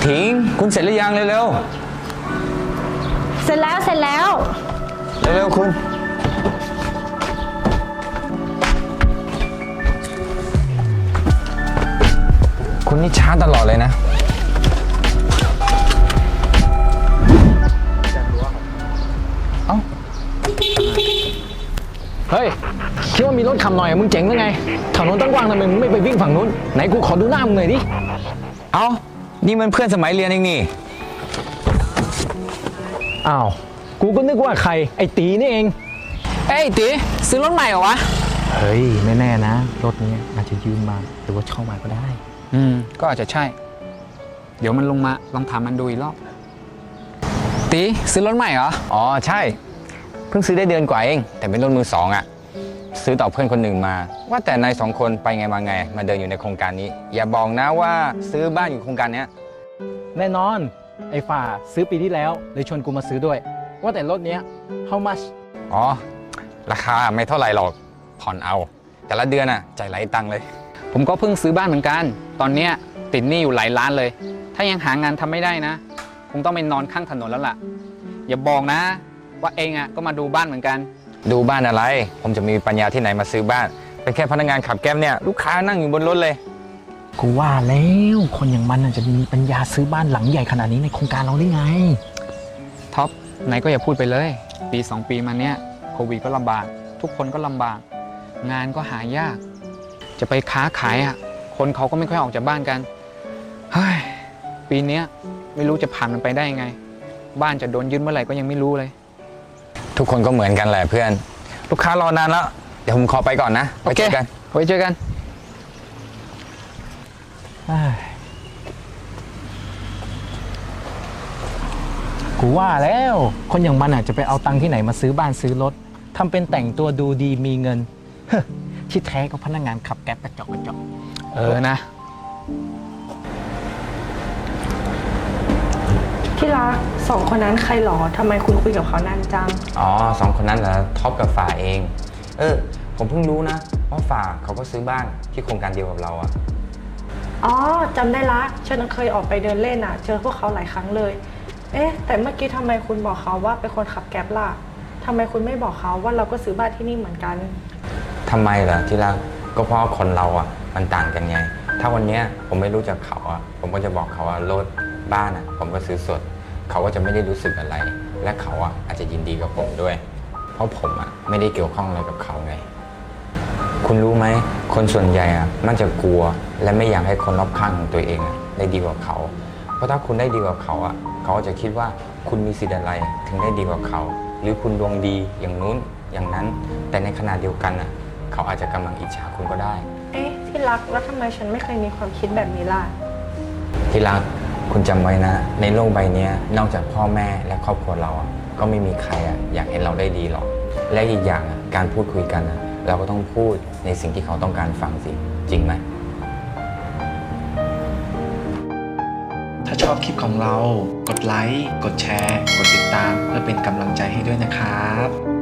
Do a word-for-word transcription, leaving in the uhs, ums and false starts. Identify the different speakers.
Speaker 1: ถิงคุณเสร็จหรือยังเร็ว
Speaker 2: เสร็จแล้วเสร็จแล้ว
Speaker 1: ๆเร็วๆคุณคุณนี่ช้าตลอดเลยนะเอ้า
Speaker 3: เฮ้ยคิดว่ามีรถขับหน่อยมึงเจ๋งหรือไงถนนตั้งกว้างทำไมมึงไม่ไปวิ่งฝั่งนู้นไหนกูขอดูหน้ามึงหน่อยดิ
Speaker 1: เอ้านี่มันเพื่อนสมัยเรียนเองนี่
Speaker 3: อ้าวกูก็นึกว่าใครไอ้ตีนี่เอง
Speaker 4: เอ้ยตีซื้อรถใหม่เหรอวะ
Speaker 3: เฮ้ยไม่แน่นะรถนี้อาจจะยืมมาหรือว่าเช่ามาก็ได้
Speaker 4: อืมก็อาจจะใช่เดี๋ยวมันลงมาลองถามมันดูอีกรอบตีซื้อรถใหม่เหรอ
Speaker 1: อ๋อใช่เพิ่งซื้อได้เดือนกว่าเองแต่เป็นรถมือสองอ่ะซื้อต่อเพื่อนคนหนึ่งมาว่าแต่นายสองคนไปไงมาไงมาเดินอยู่ในโครงการนี้อย่าบอกนะว่าซื้อบ้านอยู่โครงการนี้
Speaker 3: แน่นอนไอ้ฝ่าซื้อปีที่แล้วเลยชวนกูมาซื้อด้วยว่าแต่รถเนี้ย how much
Speaker 1: อ๋อราคาไม่เท่าไหร่หรอกผ่อนเอาแต่ละเดือนอ่ะใจไหลตังเลย
Speaker 4: ผมก็เพิ่งซื้อบ้านเหมือนกันตอนเนี้ยติดหนี้อยู่หลายล้านเลยถ้ายังหางานทำไม่ได้นะคงต้องไปนอนข้างถนนแล้วล่ะอย่าบอกนะว่าเองอ่ะก็มาดูบ้านเหมือนกัน
Speaker 1: ดูบ้านอะไรผมจะมีปัญญาที่ไหนมาซื้อบ้านเป็นแค่พนักงานขับแก๊ปเนี่ยลูกค้านั่งอยู่บนรถเลย
Speaker 3: กูว่าแล้วคนอย่างมันจะมีปัญญาซื้อบ้านหลังใหญ่ขนาดนี้ในโครงการเราได้ไง
Speaker 4: ท็อปไหนก็อย่าพูดไปเลยปีสองปีมาเนี้ยโควิดก็ลำบากทุกคนก็ลำบากงานก็หายากจะไปค้าขายอ่ะคนเขาก็ไม่ค่อยออกจากบ้านกันเฮ้ยปีนี้ไม่รู้จะผ่านมันไปได้ยังไงบ้านจะโดนยึดเมื่อไหร่ก็ยังไม่รู้เลย
Speaker 1: ทุกคนก็เหมือนกันแหละเพื่อนลูกค้ารอนานแล้วเดี๋ยวผมขอไปก่อนนะ
Speaker 4: ไว้เจอกันไว้เจอกัน
Speaker 3: กูว่าแล้วคนอย่างมันอาจจะไปเอาตังค์ที่ไหนมาซื้อบ้านซื้อรถทำเป็นแต่งตัวดูดีมีเงินที่แท้ก็พนักงานขับแก๊ปกระจอกกระจอก
Speaker 4: เออนะ
Speaker 2: ที่รักสองคนนั้นใครหรอทำไมคุณคุยกับเขานานจัง
Speaker 1: อ๋อสองคนนั้นเหรอท็อปกับฝ่าเองเออผมเพิ่งรู้นะว่าฝ่าเขาก็ซื้อบ้านที่โครงการเดียวกับเราอ่ะ
Speaker 2: อ๋อจำได้ละฉันเคยออกไปเดินเล่นอ่ะเจอพวกเขาหลายครั้งเลยเอ๊ะแต่เมื่อกี้ทำไมคุณบอกเขาว่าเป็นคนขับแก๊ปล่ะทำไมคุณไม่บอกเขาว่าเราก็ซื้อบ้านที่นี่เหมือนกัน
Speaker 1: ทำไมล่ะที่รักก็เพราะคนเราอ่ะมันต่างกันไงถ้าวันนี้ผมไม่รู้จักเขาอ่ะผมก็จะบอกเขาว่ารถบ้านอ่ะผมก็ซื้อสดเขาก็จะไม่ได้รู้สึกอะไรและเขาอ่ะอาจจะยินดีกับผมด้วยเพราะผมอ่ะไม่ได้เกี่ยวข้องอะไรกับเขาไงคุณรู้ไหมคนส่วนใหญ่อ่ะมันจะกลัวและไม่อยากให้คนรอบข้างของตัวเองอ่ะได้ดีกว่าเขาเพราะถ้าคุณได้ดีกว่าเขาอ่ะเขาจะคิดว่าคุณมีสิทธิ์อะไรถึงได้ดีกว่าเขาหรือคุณดวงดีอย่างนู้นอย่างนั้นแต่ในขณะเดียวกันอ่ะเขาอาจจะกำลังอิจฉาคุณก็ได้
Speaker 2: เอ๊ะที่รักแล้วทำไมฉันไม่เคยมีความคิดแบบนี้ล่ะ
Speaker 1: ที่รักคุณจำไว้นะในโลกใบนี้นอกจากพ่อแม่และครอบครัวเราอ่ะก็ไม่มีใครอ่ะอยากเห็นเราได้ดีหรอกและอีกอย่างอ่ะการพูดคุยกันอ่ะเราก็ต้องพูดในสิ่งที่เขาต้องการฟังสิจริงไหม
Speaker 5: ถ้าชอบคลิปของเรากดไลค์กดแชร์กดติดตามเพื่อเป็นกำลังใจให้ด้วยนะครับ